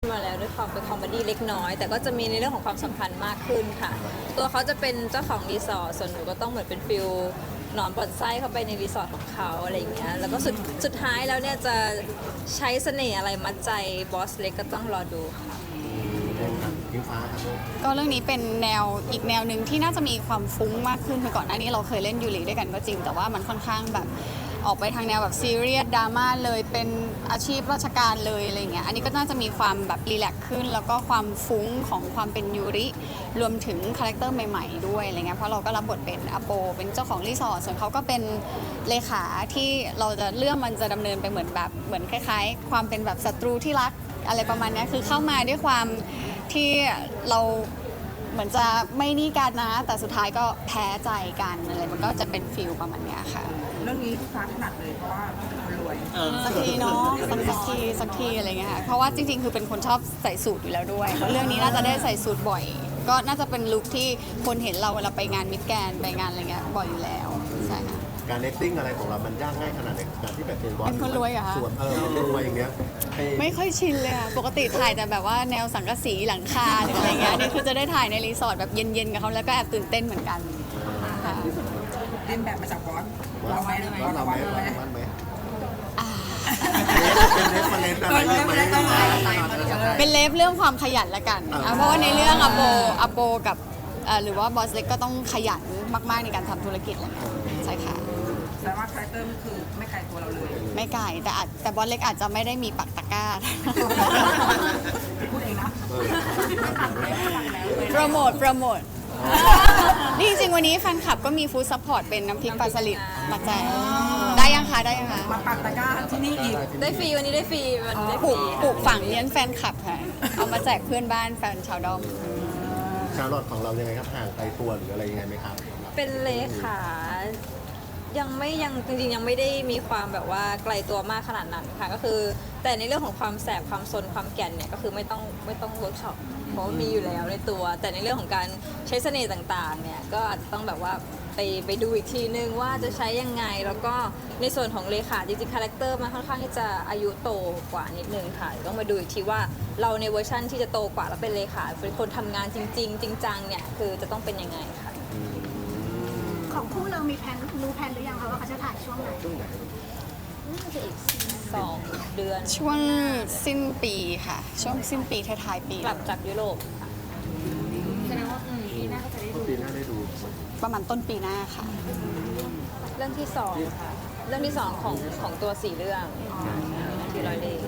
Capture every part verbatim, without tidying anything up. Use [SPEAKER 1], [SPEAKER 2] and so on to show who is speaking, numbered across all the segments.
[SPEAKER 1] มาแล้วด้วยความเป็นคอมเมดี้เล็กน้อย แต่ก็จะมีในเรื่องของความสัมพันธ์มากขึ้นค่ะ ตัวเขาจะเป็นเจ้าของรีสอร์ทส่วนหนูก็ต้องเหมือนเป็นฟิลหนอนบ่อนไส้เข้าไปในรีสอร์ทของเขาอะไรอย่างเงี้ยแล้วก็สุดสุดท้ายแล้วเนี่ยจะใช้เสน่ห์อะไรมัดใจบอสเล็กก็ต้องรอดูค่ะ
[SPEAKER 2] พิงฟ้าครับ
[SPEAKER 3] ก็เรื่องนี้เป็นแนวอีกแนวหนึ่งที่น่าจะมีความฟุ้งมากขึ้นคือก่อนหน้านี้เราเคยเล่นยูริด้วยกันก็จริงแต่ว่ามันค่อนข้างแบบออกไปทางแนวแบบซีเรียสดราม่าเลยเป็นอาชีพราชการเลยอะไรเงี้ยอันนี้ก็น่าจะมีความแบบรีแลกซ์ขึ้นแล้วก็ความฟุ้งของความเป็นยูริรวมถึงคาแรคเตอร์ใหม่ๆด้วยอะไรเงี้ยเพราะเราก็รับบทเป็นอโปเป็นเจ้าของรีสอร์ทส่วนเขาก็เป็นเลขาที่เราจะเรื่องมันจะดำเนินไปเหมือนแบบเหมือนคล้ายๆ ความเป็นแบบศัตรูที่รักอะไรประมาณนี้คือเข้ามาด้วยความที่เราเหมือนจะไม่นี่กันนะแต่สุดท้ายก็แพ้ใจกันอะไรมันก็จะเป็นฟิลประมาณนี้ค่ะ
[SPEAKER 4] เรื่องนี้ฟ้าถนัดเลยเพราะว่าเป็นคนรวย
[SPEAKER 3] สักทีเนาะสักสักทีสักทีอะไรเงี้ยค่ะเพราะว่าจริงๆคือเป็นคนชอบใส่สูทอยู่แล้วด้วยเพราะเรื่องนี้น่าจะได้ใส่สูทบ่อย ก็น่าจะเป็นลุคที่คนเห็นเราเวลาไปงานมิดแกรนด์ไปงานอะไรเงี้ยบ่อยอยู่แล้วใช่ค่ะ
[SPEAKER 2] การ acting อะไรของเรามันยากง่ายขนาดไหนการที่แบบเป็นบอส
[SPEAKER 3] เป็นคนรวยเหรอคะ
[SPEAKER 2] ส่วนเออเป็นรวยอย่างเงี้ยให้
[SPEAKER 3] ไม่ค่อยชินเลยค่ะปกติถ่ายแต่แบบว่าแนวสังกะสีหลังคาหรืออะไรเงี้ยนี่คือจะได้ถ่ายในรีสอร์ทแบบเย็นๆกับเขาแล้วก็แอบตื่นเต้นเหมือนกันค่ะ
[SPEAKER 4] เล่นแบบมาจากบอสเราไหม
[SPEAKER 2] ว่าเราไหม
[SPEAKER 4] เราไหม
[SPEAKER 2] ว่าไหม
[SPEAKER 3] อ่า
[SPEAKER 2] เป็นเรฟเฟรนซ์อะไรได้ไหม
[SPEAKER 3] เป็นเลฟเรื่องความขยันละกัน
[SPEAKER 2] อ่า
[SPEAKER 3] อ่ะเพราะว่าในเรื่องอโปอโปกับเอ่อหรือว่าบอสเล็กก็ต้องขยันมากๆในการทำธุรกิจอะไรเงี้ยใช่ค่ะ
[SPEAKER 4] แต่ว่าคาแรคเตอร์มันคือไม่ไกลตัวเราเลย
[SPEAKER 3] ไม่ไกลแต่อาจแต่บอสเล็กอาจจะไม่ได้มีปักตะกร้า
[SPEAKER 4] พูดเองนะ
[SPEAKER 2] เออ
[SPEAKER 3] โปรโมทโปรโมทนี่จริงๆวันนี้แฟนคลับก็มีฟู้ดซัพพอร์ตเป็นน้ำพริกปลาสลิดมาแจกได้ยังคะได้ยังคะ
[SPEAKER 4] มาปักตะกร้าที่นี่อีก
[SPEAKER 1] ได้ฟรีวันนี้ได้ฟรีวันนี้ได้
[SPEAKER 3] ป
[SPEAKER 1] ฟ
[SPEAKER 3] ลู
[SPEAKER 1] รี
[SPEAKER 3] กปลูกฝังเลี้ยงแฟนคลับค่ะเอามาแจกเพื่อนบ้านแฟนชาวดอม
[SPEAKER 2] ชาร์ลอตของเรายังไงครับห่างไกลตัวหรืออะไรยังไงไหมครับ
[SPEAKER 1] เป็นเลขายังไม่ยังจริงๆยังไม่ได้มีความแบบว่าไกลตัวมากขนาดนั้นค่ะก็คือแต่ในเรื่องของความแสบความซนความแก่นเนี่ยก็คือไม่ต้องไม่ต้องเวิร์กช็อปเพราะว่ามีอยู่แล้วในตัว แต่ในเรื่องของการใช้เสน่ห์ต่างๆเนี่ยก็อาจจะต้องแบบว่าไปไปดูอีกทีนึงว่าจะใช้ยังไงแล้วก็ในส่วนของเลขาจริงๆคาแรคเตอร์มันค่อนข้างที่จะอายุโตกว่านิดนึงค่ะเดี๋ยวต้องมาดูอีกทีว่าเราในเวอร์ชั่นที่จะโตกว่าแล้วเป็นเลขาเป็นคนทำงานจริง ๆ จริงจังเนี่ยคือจะต้องเป็นยังไงค่ะ
[SPEAKER 5] ของคู่เรามีแผนรู้แผนหรือยังคะว่าเขาจะถ่ายช่วงไหน
[SPEAKER 2] ช่วงไหน
[SPEAKER 1] น่าจะอีกสองเดือน
[SPEAKER 3] ช่วงสิ้นปีค่ะ ช่วงสิ้นปีท้ายๆปี
[SPEAKER 1] กลับจากยุโรปค่ะ
[SPEAKER 2] ปีหน้าได้ดู
[SPEAKER 3] ประมาณต้นปีหน้าค่ะ
[SPEAKER 1] เรื่องที่สองค่ะ เรื่องที่สองของของตัวสี่เรื่องที่ร้อยเล่ห์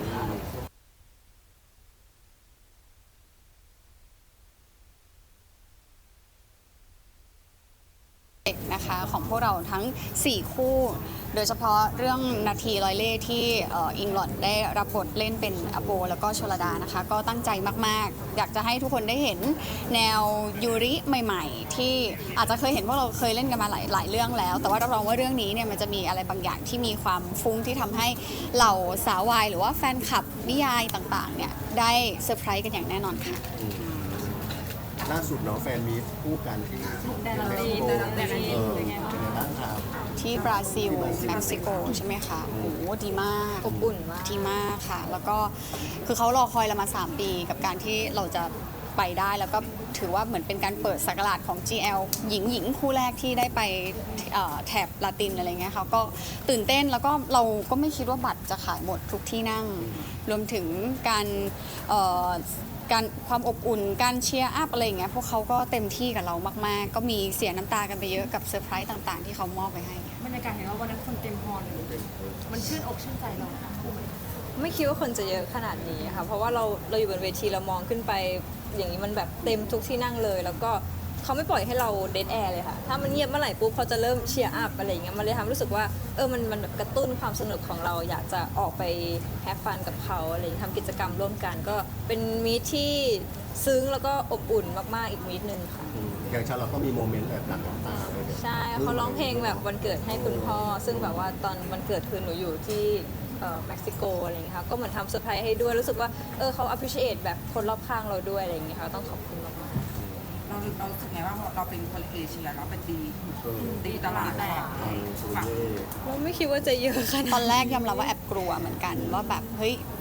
[SPEAKER 3] นะคะของพวกเราทั้ง สี่ คู่ โดยเฉพาะเรื่องนาทีร้อยเล่ห์ที่เอ่ออิงลอดได้รับบทเล่นเป็นอโปแล้วก็ชลดานะคะ ก็ตั้งใจมากๆ อยากจะให้ทุกคนได้เห็นแนวยูริใหม่ๆ ที่อาจจะเคยเห็นพวกเราเคยเล่นกันมาหลายหลายเรื่องแล้ว แต่ว่ารับรองว่าเรื่องนี้เนี่ยมันจะมีอะไรบางอย่างที่มีความฟุ้งที่ทำให้เหล่าสาววายหรือว่าแฟนคลับนิยายต่างๆเนี่ยได้เซอร์ไพรส์กันอย่างแน่นอนค่ะ
[SPEAKER 2] ล่าสุดเนาะแฟนมีคู่กันที่เออเป็นไงบ้างครับ
[SPEAKER 3] ที่บราซิลเม็กซิโกใช่ไหมคะโอ้โหดีมาก
[SPEAKER 1] อบอุ่นมาก
[SPEAKER 3] ดีมากค่ะ แล้วก็คือเขารอคอยเรามา สาม ปีกับการที่เราจะไปได้แล้วก็ถือว่าเหมือนเป็นการเปิดสักราชของ จี แอล หญิงหญิงคู่แรกที่ได้ไปเอ่อแถบลาตินอะไรเงี้ยค่ะก็ตื่นเต้นแล้วก็เราก็ไม่คิดว่าบัตรจะขายหมดทุกที่นั่ง รวมถึงการเอ่อการความอบอุ่นการเชียร์อัพอะไรอย่างเงี้ยพวกเขาก็เต็มที่กับเรามากๆ ก็มีเสียน้ำตากันไปเยอะกับเซอร์ไพรส์ต่างๆ ที่เขามอบไปให้
[SPEAKER 6] บรรยากาศเห็นว่าวันนั้นคนเต็มฮอลเลยมันชื่นอกชื่นใจเราค่ะ
[SPEAKER 1] ไม่คิดว่าคนจะเยอะขนาดนี้ค่ะ เพราะว่าเราเราอยู่บนเวทีเรามองขึ้นไป อย่างนี้มันแบบเต็มทุกที่นั่งเลย แล้วก็เขาไม่ปล่อยให้เราเดดแอร์เลยค่ะ ถ้ามันเงียบเมื่อไหร่ปุ๊บเขาจะเริ่มเชียร์อัพอะไรอย่างเงี้ย มันเลยทำให้รู้สึกว่าเออ มันมันแบบกระตุ้นความสนุกของเรา อยากจะออกไปแฮปฟันกับเขาอะไรอย่างเงี้ยทำกิจกรรมร่วมกัน ก็เป็นมีทที่ซึ้งแล้วก็อบอุ่นมากๆอีกมีทหนึ่งค่ะ
[SPEAKER 2] อืมอย่างชาร์ลอตก็มีโมเมนต์แบบหลั่งน้ำตาเลยเนี่ย
[SPEAKER 1] ใช่เขาร้องเพลงแบบวันเกิดให้คุณพ่อ ซึ่งแบบว่าตอนวันเกิดคือหนูอยู่ที่เอ่อเม็กซิโกอะไรอย่างเงี้ยค่ะก็เหมือนทำเซอร์ไพรส์ให้ด้วยรู้สึกว่าเออเขา appreciate แบบคนรอบข้างเราด้วยอะไรอย่างเงี้ยค่ะต้องขอบคุณมากๆ
[SPEAKER 4] เราเรารู้สึกไงว่าเราเป็นคนเอเชียเราเป็นตี
[SPEAKER 2] เออ
[SPEAKER 4] ตีตลาดแตก
[SPEAKER 2] เออสวย
[SPEAKER 4] ฝั่ง
[SPEAKER 2] เย่
[SPEAKER 1] เราไม่คิดว่าจะเยอะขนาด
[SPEAKER 3] ตอนแรกยอมรับว่าแอบกลัวเหมือนกันว่าแบบเฮ้ย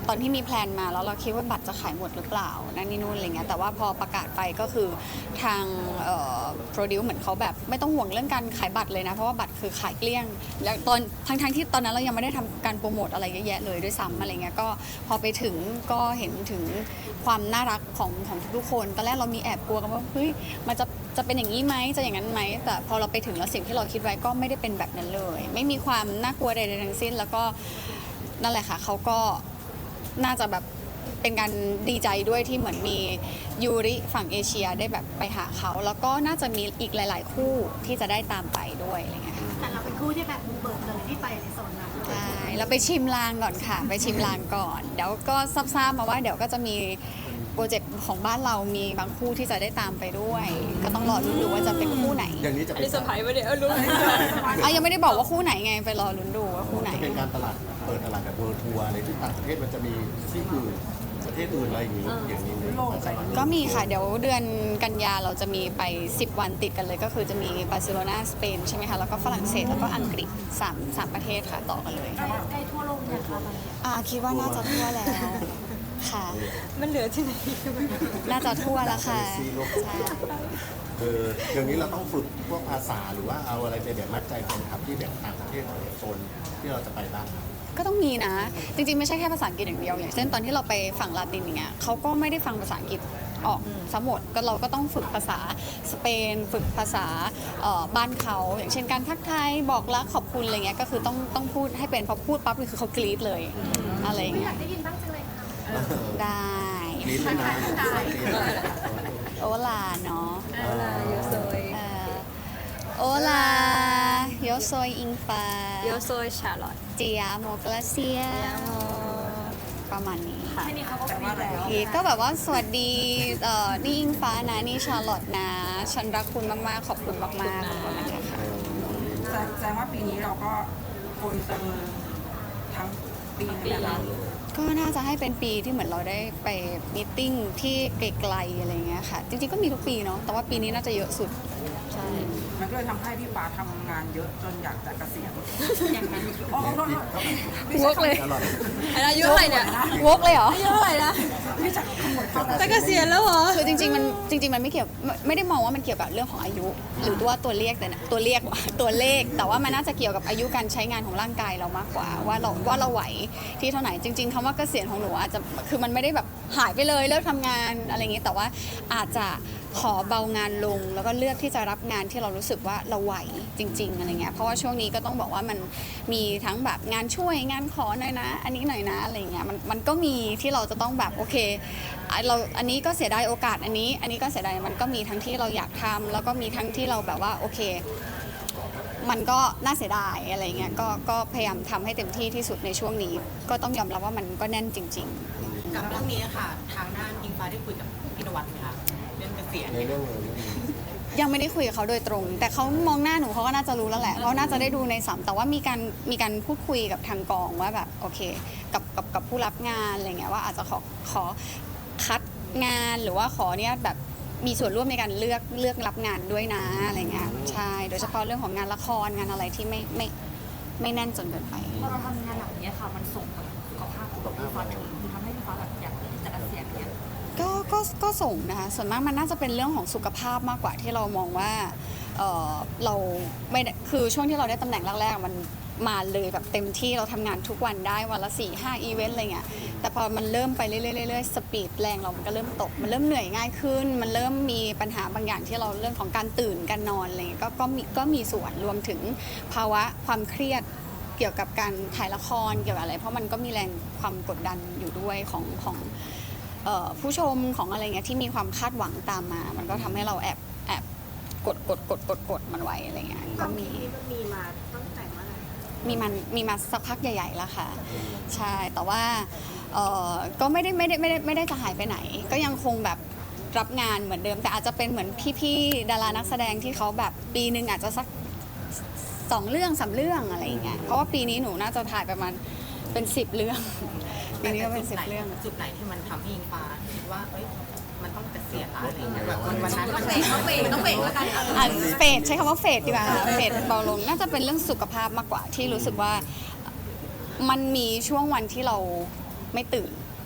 [SPEAKER 3] ตอนที่มีแพลนมาแล้วเราคิดว่าบัตรจะขายหมดหรือเปล่านั่นนี่นู่นอะไรเงี้ยแต่ว่าพอประกาศไปก็คือทางโปรดิวเหมือนเขาแบบไม่ต้องห่วงเรื่องการขายบัตรเลยนะเพราะว่าบัตรคือขายเกลี้ยงแล้วตอนทั้งทั้งที่ตอนนั้นเรายังไม่ได้ทำการโปรโมทอะไรเยอะแยะเลยด้วยซ้ำอะไรเงี้ยก็พอไปถึงก็เห็นถึงความน่ารักของของทุกๆคนตอนแรกเรามีแอบกลัวกันว่าเฮ้ยมันจะจะเป็นอย่างนี้ไหมจะอย่างนั้นไหมแต่พอเราไปถึงแล้วสิ่งที่เราคิดไว้ก็ไม่ได้เป็นแบบนั้นเลย ไม่มีความน่ากลัวใดๆทั้งสิ้นแล้วก็นั่นแหละค่ะเขาก็น่าจะแบบเป็นการดีใจด้วยที่เหมือนมียูริฝั่งเอเชียได้แบบไปหาเขาแล้วก็น่าจะมีอีกหลาย ๆ คู่ที่จะได้ตามไปด้วยอะไรเงี้ยค่ะ
[SPEAKER 5] แต่เราเป็นคู่ที่แบบบุกเบิกเลยที่ไปในโซนนั้น
[SPEAKER 3] ใช่เราไปชิมลางก่อนค่ะ ไปชิมลางก่อนเดี๋ยวก็ทราบๆมาว่าเดี๋ยวก็จะมีโปรเจกต์ของบ้านเรามีบางคู่ที่จะได้ตามไปด้วย ก็ต้องรอลุ้นดูว่าจะเป็นคู่ไหน
[SPEAKER 2] อย่างนี้จะ
[SPEAKER 1] อัน
[SPEAKER 2] เป็น
[SPEAKER 1] นี้เซอร์ไพรส์ไปเนี่ยเออรู้
[SPEAKER 3] เอายังไม่ได้บอกว่าคู่ไหนไงไปรอลุ้นดูว่าคู่ไหน
[SPEAKER 2] จะเป็นการตลาดเปิดตลาดแบบเวิร์ทัวร์ในที่ต่างประเทศมันจะมีที่อื่นประเทศอื่นอะไรอย่างนี้อย่างนี้ไหม
[SPEAKER 3] ก็มีค่ะ เดี๋ยวเดือนกันยาเราจะมีไปสิบวันติดกันเลย ก็คือจะมีบาร์เซโลนาสเปนใช่ไหมคะ แล้วก็ฝรั่งเศสแล้วก็อังกฤษสามสามประเทศค่ะต่อกันเลย
[SPEAKER 5] ใกล้ทั่วโลกเนี่ยค่ะตอนนี้
[SPEAKER 3] อ่าคิดว่าน่าจะทั่วแล้วค่ะ
[SPEAKER 1] มันเหลือที่ไหน
[SPEAKER 3] น่าจะทั่วแล้วค่ะ
[SPEAKER 2] ซีโลก
[SPEAKER 3] ใช่
[SPEAKER 2] เออเดี๋ยวนี้เราต้องฝึกพวกภาษาหรือว่าเอาอะไรไปแบบมัดใจแฟนคลับที่แบบต่างประเทศโซนที่เราจะไปบ้างครับ
[SPEAKER 3] ก็ต้องมีนะ จริงๆ ไม่ใช่แค่ภาษาอังกฤษอย่างเดียว อย่างเช่นตอนที่เราไปฝั่งลาตินอย่างเงี้ยเขาก็ไม่ได้ฟังภาษาอังกฤษออกสมหมดก็เราก็ต้องฝึกภาษาสเปน ฝึกภาษาเอ่อบ้านเขา อย่างเช่นการทักทายบอกรักขอบคุณอะไรเงี้ยก็คือต้องต้องพูดให้เป็นพอพูดปั๊บคือเขากรี๊ดเลยอะไรอย่าง
[SPEAKER 5] อ
[SPEAKER 3] เงี้
[SPEAKER 5] ยาย กได้ยินบ้างจังเลยค่ะ
[SPEAKER 3] ได้
[SPEAKER 2] ลิ้นเลยนะ
[SPEAKER 3] โอลาเนาะ
[SPEAKER 1] โยโซย
[SPEAKER 3] เอ่อโอลาโยโซยอิงฟ้า
[SPEAKER 1] โยโซยชาร์ลอต
[SPEAKER 3] เจียโมกลาเซีย
[SPEAKER 1] ยาโม
[SPEAKER 3] ประมาณนี้ค่ะ
[SPEAKER 6] แค่นี้เขาก็ฟรีแล้ว
[SPEAKER 3] โอเคก็แบบว่าสวัสดีเอ่อนี่อิงฟ้านะ นี่ชาร์ลอตนะ ฉันรักคุณมาก ๆ ขอบคุณมากๆขอบคุณนะคะ
[SPEAKER 4] แสดงแสดงว่าปีนี้เราก็โกลเตอร์ทั้งปีเลยนะคะ
[SPEAKER 3] ก็น่าจะให้เป็นปีที่เหมือนเราได้ไปมีตติ้งที่ไกลๆอะไรเงี้ยค่ะ จริง ๆ ก็มีทุกปีเนาะแต่ว่าปีนี้น่าจะเยอะสุด ใช่
[SPEAKER 4] มันก็เลยทำให้พี่ฟ้าทำงานเยอะจนอยากจะเกษียณอย่างนั้นอ๋อขอโทษ
[SPEAKER 3] วกเลย
[SPEAKER 2] อร่อย
[SPEAKER 1] อันอายุเท่าไหร่เนี่ย
[SPEAKER 3] วกเลยเหรอ
[SPEAKER 1] อายุเท่าไหร่นะ
[SPEAKER 4] ไม่จากขมวดเข้า
[SPEAKER 1] จะเกษียณแล้วเหรอ
[SPEAKER 3] คือจริงๆมันจริงๆมันไม่เกี่ยวไม่ไม่ได้มองว่ามันเกี่ยวกับเรื่องของอายุ หรือว่าตัวเลขแต่นะตัวเลข ตัวเลข แต่ว่ามันน่าจะเกี่ยวกับอายุการใช้งานของร่างกายเรามากกว่าว่าเราว่าเราไหวที่เท่าไหร่จริง ๆคำว่าเกษียณของหนูอาจจะคือมันไม่ได้แบบหายไปเลยเลิกทำงานอะไรอย่างงี้แต่ว่าอาจจะขอเบางานลงแล้วก็เลือกที่จะรับงานที่เรารู้สึกว่าเราไหวจริง ๆอะไรเงี้ยเพราะว่าช่วงนี้ก็ต้องบอกว่ามันมีทั้งแบบงานช่วยงานขอหน่อยนะ อันนี้หน่อยนะอะไรเงี้ยมันมันก็มีที่เราจะต้องแบบโอเคอ่ะเราอันนี้ก็เสียดายโอกาสอันนี้ อันนี้ก็เสียดายมันก็มีทั้งที่เราอยากทำแล้วก็มีทั้งที่เราแบบว่าโอเค มันก็น่าเสียดายอะไรเงี้ยก็ก็พยายามทำให้เต็มที่ที่สุดในช่วงนี้ ก็ต้องยอมรับว่ามันก็แน่นจริง ๆ
[SPEAKER 7] กับเรื่องนี้ค่ะ ทางด้านอิงฟ้าได้คุยกับพี่นวัดไหมคะเรื่องเกษียณ
[SPEAKER 2] ในเรื่องเลย
[SPEAKER 3] ยังไม่ได้คุยกับเขาโดยตรง แต่เขามองหน้าหนูเขาก็น่าจะรู้แล้วแหละเขาน่าจะได้ดูในสัมแต่ว่ามีการมีการพูดคุยกับทางกองว่าแบบโอเคกับกับกับผู้รับงานอะไรเงี้ยว่าอาจจะขอขอคัดงานหรือว่าขอเนี่ยแบบมีส่วนร่วมในการเลือกเลือกรับงานด้วยนะอะไรเงี้ยใช่โดยเฉพาะเรื่องของงานละครงานอะไรที่ไม่ไม่ไม่แน่นจนเกินไป
[SPEAKER 6] พอเราทำงานหลังเนี้ยค่ะ มันส่งผลสุขภาพของพี่ฟ้าอย่างอื่นคือทำให้พี่ฟ้าแบบอยากที่จะเกษียณเนี่ย
[SPEAKER 3] ก็ก็ก็ส่งนะคะส่วนมากมันน่าจะเป็นเรื่องของสุขภาพมากกว่าที่เรามองว่าเอ่อเราไม่ได้คือช่วงที่เราได้ตำแหน่งแรกๆมันมาเลยแบบเต็มที่เราทำงานทุกวันได้วันละสี่ห้าอีเวนต์อะไรเงี้ยแต่พอมันเริ่มไปเรื่อยๆเรื่อยๆสปีดแรงเรามันก็เริ่มตก มันเริ่มเหนื่อยง่ายขึ้น มันเริ่มมีปัญหาบางอย่างที่เราเรื่องของการตื่นการนอนอะไรเงี้ยก็ก็มีก็มีส่วนรวมถึงภาวะความเครียดเกี่ยวกับการถ่ายละครเกี่ยวกับอะไร เพราะมันก็มีแรงความกดดันอยู่ด้วยของของ เอ่อผู้ชมของอะไรเงี้ยที่มีความคาดหวังตามมา มันก็ทำให้เราแอบแอบกดกดกดกดกดมันไว้อะไรเงี้ยก็มี
[SPEAKER 5] มีมาตั้งแต่เมื่อไหร่
[SPEAKER 3] มีมันมีมาสักพักใหญ่ๆแล้วค่ะ ใช่แต่ว่าเอ่อก็ไม่ได้ไม่ได้ไม่ได้ไม่ได้จะหายไปไหน ก็ยังคงแบบรับงานเหมือนเดิม แต่อาจจะเป็นเหมือนพี่ๆดารานักแสดงที่เขาแบบปีหนึ่งอาจจะสักสองเรื่องสามเรื่องอะไรอย่างเงี้ยเพราะว่าปีนี้หนูน่าจะถ่ายประมาณเป็นสิบเรื่อง ปีนี้ก็เป็นสิบเรื่อง
[SPEAKER 7] จุดไหนที่มันทำให้อิงฟ้าคิดว่าเอ้ยมันต้องเกษียณละอะไรอย่างเงี้ยแบบวันวันนั้นมันต้องเบรกต้องเบรกแล้วกัน
[SPEAKER 3] อ่ะเฟดใช้คำว่าเฟดดีกว่าเฟดเบาลงน่าจะเป็นเรื่องสุขภาพมากกว่าที่รู้สึกว่ามันมีช่วงวันที่เราไม่ตื่น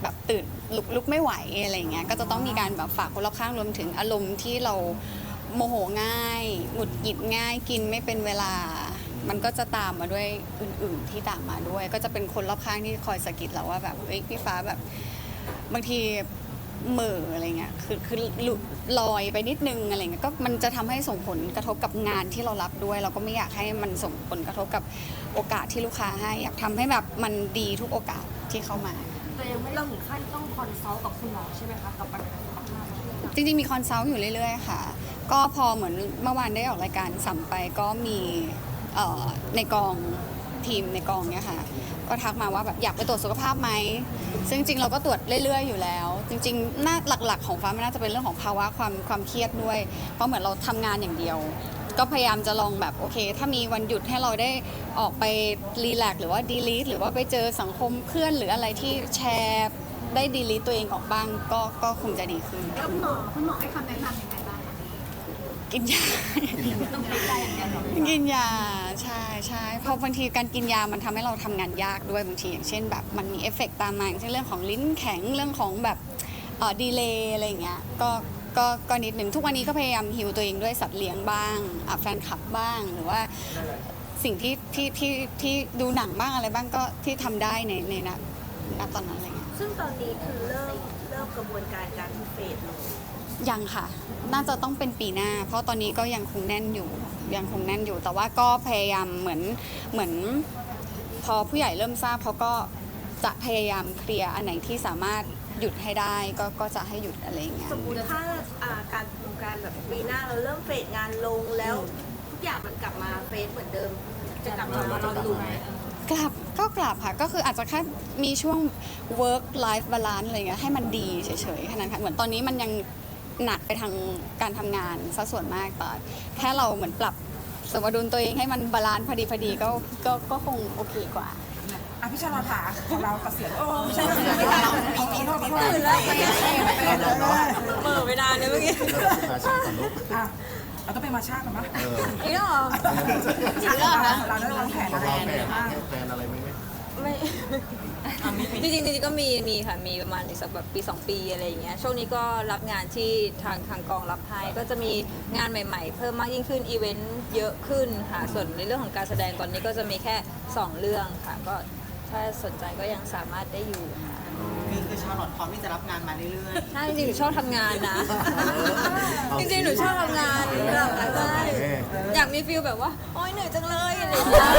[SPEAKER 3] แบบตื่นลุกลุกไม่ไหวอะไรอย่างเงี้ยก็จะต้องมีการแบบฝากคนรอบข้างรวมถึงอารมณ์ที่เราโมโหง่ายหงุดหงิดง่ายกินไม่เป็นเวลา มันก็จะตามมาด้วยอื่นๆที่ตามมาด้วย ก็จะเป็นคนรอบข้างที่คอยสะกิดเราว่าแบบเอ้ยพี่ฟ้าแบบบางทีเหม่ออะไรเงี้ยคือคือหลุดลอยไปนิดนึงอะไรเงี้ยก็มันจะทำให้ส่งผลกระทบกับงานที่เรารับด้วย เราก็ไม่อยากให้มันส่งผลกระทบกับโอกาสที่ลูกค้าให้อยากทำให้แบบมันดีทุกโอกาสที่เข้ามา
[SPEAKER 6] แต่ยังไม่ได้ถึงขั้นต้องคอนซัลท์กับคุณหมอใช่ไหมคะกับปัญหาสุขภาพ
[SPEAKER 3] จริงๆมีคอนซัลท์อยู่เรื่อยๆค่ะก็พอเหมือนเมื่อวานได้ออกรายการสัมไปก็มีเอ่อในกองทีมในกองเนี่ยค่ะก็ทักมาว่าแบบอยากไปตรวจสุขภาพไหมซึ่งจริงๆเราก็ตรวจเรื่อยๆอยู่แล้ว จริงๆน่าหลักๆของฟ้ามันน่าจะเป็นเรื่องของภาวะความความเครียดด้วยเพราะเหมือนเราทำงานอย่างเดียว ก็พยายามจะลองแบบโอเคถ้ามีวันหยุดให้เราได้ออกไปรีแลกซ์หรือว่าดีลีทหรือว่าไปเจอสังคมเพื่อนหรืออะไรที่แชร์ได้ดีลีทตัวเองออกบ้างก็ก็คงจะดีขึ้น
[SPEAKER 5] แล้วคุณหมอคุณหมอให้คำแนะนำยังไงบ้างคะ
[SPEAKER 3] กินยา
[SPEAKER 6] ต้องกินยาอย่างเดียวเหรอ
[SPEAKER 3] กินยาใช่ใช่เพราะบางทีการกินยามันทำให้เราทำงานยากด้วยบางทีอย่างเช่นแบบมันมีเอฟเฟกต์ตามมาอย่างเช่นเรื่องของลิ้นแข็งเรื่องของแบบเอ่อดีเลย์อะไรอย่างเงี้ยก็ก็ก็นิดหนึ่งทุกวันนี้ก็พยายามฮิวตัวเองด้วยสัตว์เลี้ยงบ้างอ่ะแฟนคลับบ้างหรือว่าสิ่งที่ที่ที่ที่ดูหนังบ้างอะไรบ้างก็ที่ทำได้ในในณณตอนนั้นอะไรเงี้ย
[SPEAKER 8] ซึ่งตอนนี้คือเริ่มเริ่มกระบวนการการเฟดลง
[SPEAKER 3] ยังค่ะ น่าจะต้องเป็นปีหน้า เพราะตอนนี้ก็ยังคงแน่นอยู่ ยังคงแน่นอยู่ แต่ว่าก็พยายามเหมือน เหมือน พอผู้ใหญ่เริ่มทราบเขาก็จะพยายามเคลียร์อันไหนที่สามารถหยุดให้ได้ ก็ ก็จะให้หยุดอะไรอย่างเงี้ย
[SPEAKER 8] สมมติถ้าอ่าการโครงการแบบปีหน้าเราเริ่มเฟดงานลงแล้วทุกอย่างมันกลับมาเฟดเหมือนเดิม จะกลับมาเราดูไหม
[SPEAKER 3] กลับก็กลับค่ะ ก็คืออาจจะแค่มีช่วง work life balance อะไรเงี้ยให้มันดีเฉยๆแค่นั้นค่ะ เหมือนตอนนี้มันยังหนักไปทางการทำงานซะส่วนมากแต่แค่เราเหมือนปรับสมดุลตัวเองให้มันบาลานซ์พอดีพอดีก็ก็ก็คงโอเคกว่า
[SPEAKER 4] อ่ะพี่ชาลอถาของเราเกษียณโอ้ไม่ใช่เกษียณเราปีนี้เราตื่นแล้ว
[SPEAKER 1] เหม่อไม่นานเลยเมื่อกี้
[SPEAKER 2] เราจะมาชาก่อนลูก
[SPEAKER 4] อ่ะเราต้องไปมาชากันมั้ย
[SPEAKER 2] เออ
[SPEAKER 1] อีกแล้วเหรอ
[SPEAKER 4] ชาเราเราได้วางแผน
[SPEAKER 2] เรา
[SPEAKER 4] อะไร
[SPEAKER 2] วาง
[SPEAKER 4] ยัง
[SPEAKER 2] แผ
[SPEAKER 4] ไง
[SPEAKER 2] น
[SPEAKER 4] บ้าง
[SPEAKER 2] ให้แฟนอะไรไหมไหม
[SPEAKER 1] ไม่จริงๆจริงๆก็มีมีค่ะมีประมาณอีกสักแบบปีสองปีอะไรอย่างเงี้ยช่วงนี้ก็รับงานที่ทางทางกองรับให้ก็จะมีงานใหม่ๆ เพิ่มมากยิ่งขึ้นอีเวนต์เยอะขึ้นค่ะส่วนในเรื่องของการแสดงตอนนี้ก็จะมีแค่สองเรื่องค่ะก็ถ้าสนใจก็ยังสามารถได้อยู่ค่ะ
[SPEAKER 7] คือคือชาลอตพร้อมที่จะรับงานมาเรื่อย
[SPEAKER 1] ใช่จริงๆหนูชอบทำงานนะ จริงๆหนูชอบทำงานใช่อยากมีฟิลแบบว่าโอ๊ยเหนื่อยจังเลยอะไรอย่างเงี้ย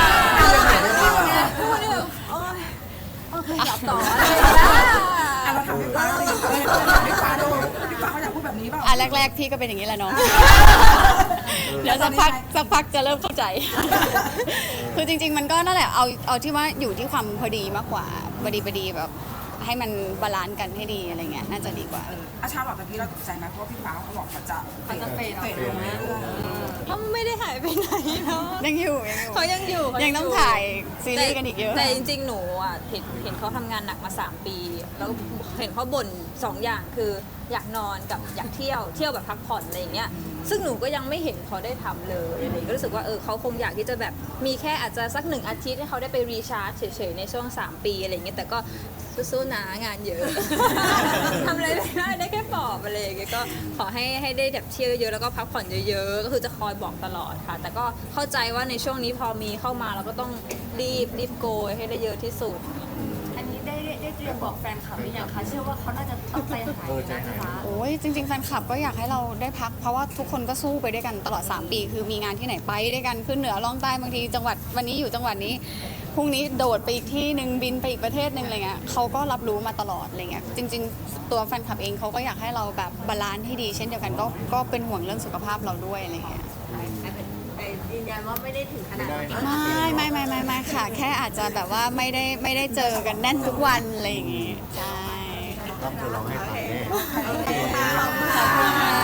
[SPEAKER 1] พูดนี่แบบโอ๊ยโอเคอยากต่ออะไรอย่างเงี้ย
[SPEAKER 4] อ่ะเราถามพี่ฟ้าเราถามพี่ฟ้าดูพี่ฟ้าเขาอยากพูดแบบนี้เปล่า
[SPEAKER 3] อ่ะแรก ๆ พี่ก็เป็นอย่างนี้แหละเนาะ เดี๋ยวสักพักสักพักจะเริ่มเข้าใจ คือจริง ๆ มันก็นั่นแหละเอาเอาที่ว่าอยู่ที่ความพอดีมากกว่าพอดีพอดีแบบให้มันบาลานซ์กันให้ดีอะไรเงี้ยน่าจะดีกว่า
[SPEAKER 4] อาชาลอตตะกี้เราตกใจไหมเพราะว่าพี่ฟ้าเขาบอกเขาจะ
[SPEAKER 6] เขาจะเฟด
[SPEAKER 4] เฟดลงเรื่อย
[SPEAKER 1] เขาไม่ได้หายไปไหนเนาะ
[SPEAKER 3] ยังอยู่ยังอยู่
[SPEAKER 1] เขายังอยู่
[SPEAKER 3] ยังต้องถ่ายซีรีส์กันอีกเยอะ
[SPEAKER 1] แต่จริงๆ หนูอ่ะเห็นเห็นเขาทำงานหนักมาสามปี แล้วเห็นเขาบ่นสองอย่างคืออยากนอนกับอยากเที่ยวเที่ยวแบบพักผ่อนอะไรอย่างเงี้ยซึ่งหนูก็ยังไม่เห็นเขาได้ทำเลยอะไรก็รู้สึกว่าเออเขาคงอยากที่จะแบบมีแค่อาจจะสักหนึ่งอาทิตย์ให้เขาได้ไปรีชาร์จเฉยๆในช่วงสามปีอะไรอย่างเงี้ยแต่ก็สู้ๆนะงานเยอะ ทำอะไรไม่ได้ได้แค่ปลอบอะไรอย่างเงี้ยก็ขอให้ให้ได้แบบเที่ยวเยอะแล้วก็พักผ่อนเยอะๆก็คือจะคอยบอกตลอดค่ะ แต่ก็เข้าใจว่าในช่วงนี้พอมีเข้ามาเราก็ต้องรีบรีบโกยให้ได้เยอะที่สุด
[SPEAKER 6] อันนี้ได้ได้ได้เตรียมบอกแฟนคลับหรือยังคะเชื่อว่าเขาน่าจะต้องใจหายนะพี่ฟ้า
[SPEAKER 3] โอ้ยจริงๆแฟนคลับก็อยากให้เราได้พักเพราะว่าทุกคนก็สู้ไปด้วยกันตลอดสามปี คือมีงานที่ไหนไปด้วยกันขึ้นเหนือล่องใต้บางทีจังหวัดวันนี้อยู่จังหวัดนี้พรุ่งนี้โดดไปอีกที่หนึ่งบินไปอีกประเทศหนึ่งอะไรเงี้ยเขาก็รับรู้มาตลอดอะไรเงี้ยจริง ๆ ตัวแฟนคลับเองเขาก็อยากให้เราแบบบาลานซ์ให้ดี เช่นเดียวกันก็ก็เป็นห่วงเรื่องสุขภาพเราด้วยอะไรเงี้ย
[SPEAKER 8] แต่ยืนยันว่าไม่ได้ถึงขนาดนั้น
[SPEAKER 3] ไม่ไม่ไม่ไม่ไม่ค่ะ แค่อาจจะแบบว่าไม่ได้ไม่ได้เจอกันแน่นทุกวันอะไรอย่างงี้ใช่
[SPEAKER 2] ต้องเธอร้องให้ฟังแน่
[SPEAKER 3] ขอบคุณค่ะ